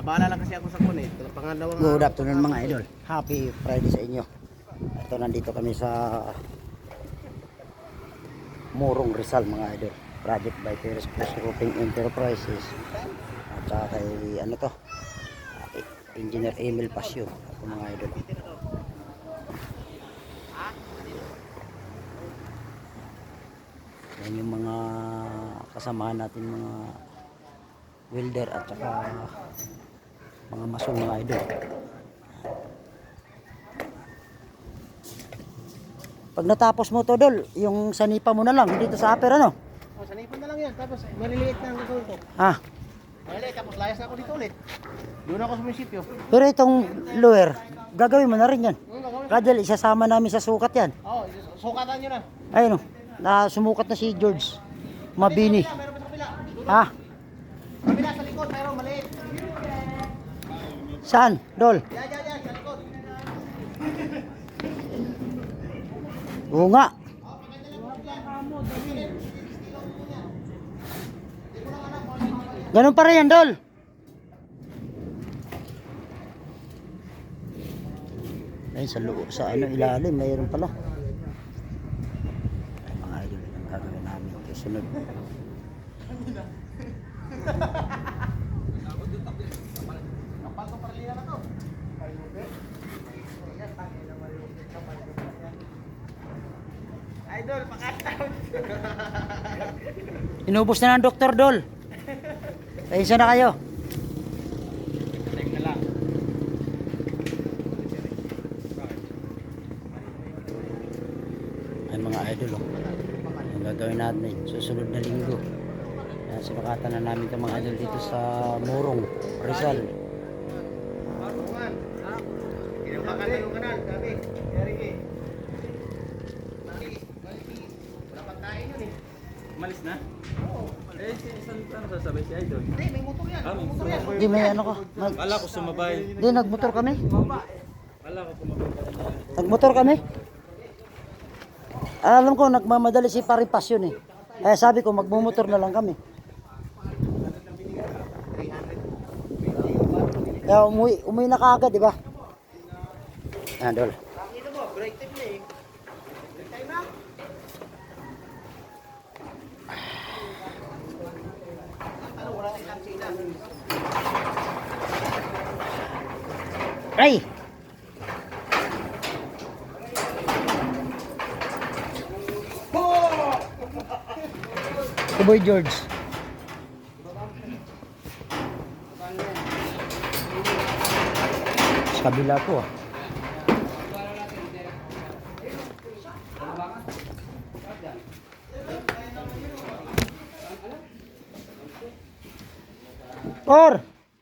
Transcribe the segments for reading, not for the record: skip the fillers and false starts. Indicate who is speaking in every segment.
Speaker 1: Abala lang kasi ako sa kunit. Pangalawang
Speaker 2: Good afternoon mga idol. Happy Friday sa inyo. Ito, nandito kami sa Morong Rizal mga idol. Project by Terrace Plus Roofing Enterprises. At saka kay ano to, Engineer Emil Pasio. Ito mga idol. Yan yung mga kasamahan natin, mga welder at saka mga mason mga idol. Pag natapos mo to, Dol, yung sanipa mo na lang dito sa upper, ano?
Speaker 1: Oh, sanipan na lang yan. Tapos maliliit na ang gagawin ko.
Speaker 2: Ah,
Speaker 1: Maliliit. Tapos layas na ako dito ulit. Doon ako sa munisipyo.
Speaker 2: pero itong lower, gagawin mo na rin yan.
Speaker 1: Gagawin.
Speaker 2: Kadal, isasama namin sa sukat yan.
Speaker 1: Oo, sukatan nyo na.
Speaker 2: Ayun o, sumukat na si George Mabini.
Speaker 1: Meron pa sa kabila.
Speaker 2: Ah,
Speaker 1: Kabila sa likod, mayroon maliit.
Speaker 2: saan, Dol?
Speaker 1: Yan, sa likod.
Speaker 2: Oo nga. Ganun pa rin yan, Dol. Ay, sa loob, sa ano, ilalim, mayroon pala. Ay, mga idol, ang gagawin namin kasunod.
Speaker 1: Kapal ko paralila na to. Idol, pakataon.
Speaker 2: Inubos na ng Dr. Dol. Ayun na kayo.
Speaker 1: Tek na lang.
Speaker 2: Ay mga idol, oh. Ang gagawin natin susunod na linggo. Yan, sinukatan na namin itong mga idol dito sa Morong Rizal.
Speaker 1: Marungan. Ha? Kinukakan na yung kanal. Sabi. Eriki. Wala pang kain yun eh.
Speaker 3: Malis na?
Speaker 1: Oo.
Speaker 3: Eh, isang ano sasabay si Idol?
Speaker 1: Hindi, may motor yan.
Speaker 3: Ah, may
Speaker 1: May motor yan.
Speaker 2: Hindi, may ano ko.
Speaker 3: Kala ko sumabay.
Speaker 2: Hindi, nagmotor kami.
Speaker 3: Kala ko sumabay ka na.
Speaker 2: Nagmotor kami. Alam ko, nagmamadali si Paripas yun eh. Kaya sabi ko, magmumotor na lang kami. Kaya umuwi na kaagad, di ba? Ah, Dol.
Speaker 1: Dito mo, break time na eh. Break time na. Ano, wala tayong kansina.
Speaker 2: Ray! Si Boy George. Sa kabila po ah. Por!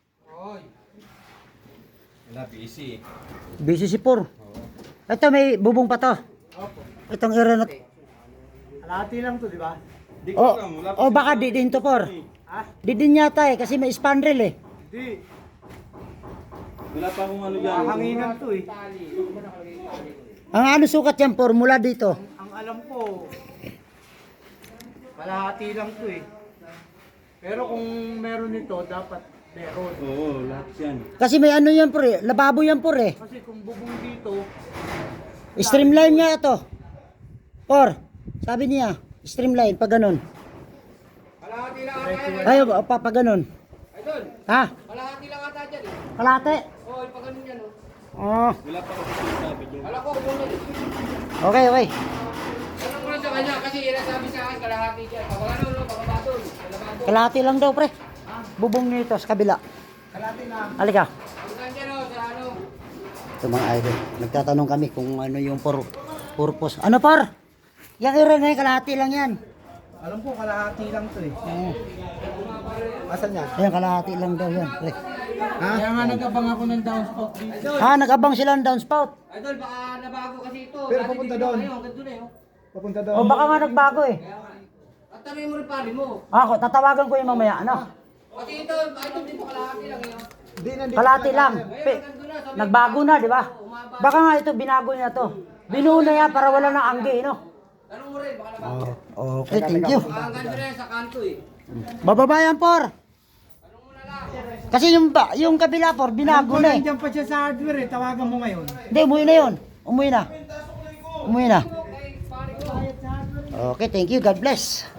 Speaker 3: Wala, busy.
Speaker 2: Busy si Por. Ito may bubong pa to. Itong area na to.
Speaker 1: Alati lang to, di ba?
Speaker 3: Di ko
Speaker 2: Oh,
Speaker 3: alam, wala pa
Speaker 2: oh baka di din to Por.
Speaker 1: Ha?
Speaker 2: Di din yata eh kasi may spandrel eh.
Speaker 1: Di.
Speaker 3: Wala pa akong ano yan.
Speaker 1: Hanginan to eh.
Speaker 2: Ang ano sukat yan Por mula dito.
Speaker 1: Ang alam ko, kalahati lang to eh. Pero kung meron nito, dapat meron.
Speaker 3: Oo, lahat yan.
Speaker 2: Kasi may ano yan Por eh. Lababo yan Por eh.
Speaker 1: Kasi kung bubong dito,
Speaker 2: Streamline nga ito. Por, sabi niya, streamline pag ganun.
Speaker 1: kalahati lang ata.
Speaker 2: Ay, pa ganun.
Speaker 1: Idol,
Speaker 2: Ha?
Speaker 1: kalahati lang ata dyan eh.
Speaker 2: Kalate.
Speaker 1: Oo, pag ganun yan oh.
Speaker 2: Oh,
Speaker 3: Wala pa ako sinasabi dyan.
Speaker 1: Kala ko kung ano.
Speaker 2: okay, okay.
Speaker 1: Tanong ko lang sa kanya kasi sabi sa akin kalahati dyan. Pag ano, baka batol.
Speaker 2: Kalate lang daw pre. Bubong nito sa kabila.
Speaker 1: Kalahati lang.
Speaker 2: Halika.
Speaker 1: Pag dyan oh, sa ano.
Speaker 2: Ito mga idol. Nagtatanong kami kung ano yung purpose. Ano Por? Yung area na yung kalahati lang yan.
Speaker 1: Alam ko kalahati lang to eh.
Speaker 2: Oo.
Speaker 1: Asan yan?
Speaker 2: Ayan, kalahati lang daw yan. Pre.
Speaker 1: Ha? Kaya nga nag-abang ako ng downspout dito.
Speaker 2: Ha, nag-abang sila ng downspout.
Speaker 1: Idol, baka nabago kasi ito.
Speaker 4: Pero papunta doon.
Speaker 1: Ayun, ganito na yun.
Speaker 4: Papunta daw.
Speaker 2: O baka nga nagbago eh.
Speaker 1: At tanongin mo rin pari mo.
Speaker 2: Ako, tatawagan ko yung mamaya. Ano?
Speaker 1: Kasi ito dito kalahati lang yun.
Speaker 4: Di nandito.
Speaker 2: Kalahati lang. Nagbago na, di ba? Baka nga ito, binago niya to. Binuo na yan para wala ng anggi, no?
Speaker 1: Tanong mo rin, baka nabago.
Speaker 2: Okay, thank you.
Speaker 1: Baka ganito na yan sa kanto eh.
Speaker 2: Bababayan, Por.
Speaker 1: Tanong mo na lang.
Speaker 2: Kasi yung kabila por, binago na eh.
Speaker 1: Nandiyan pa siya sa hardware eh. Tawagan mo ngayon.
Speaker 2: Hindi, umuwi na yun. Umuwi na. Umuwi na. Okay, thank you. God bless.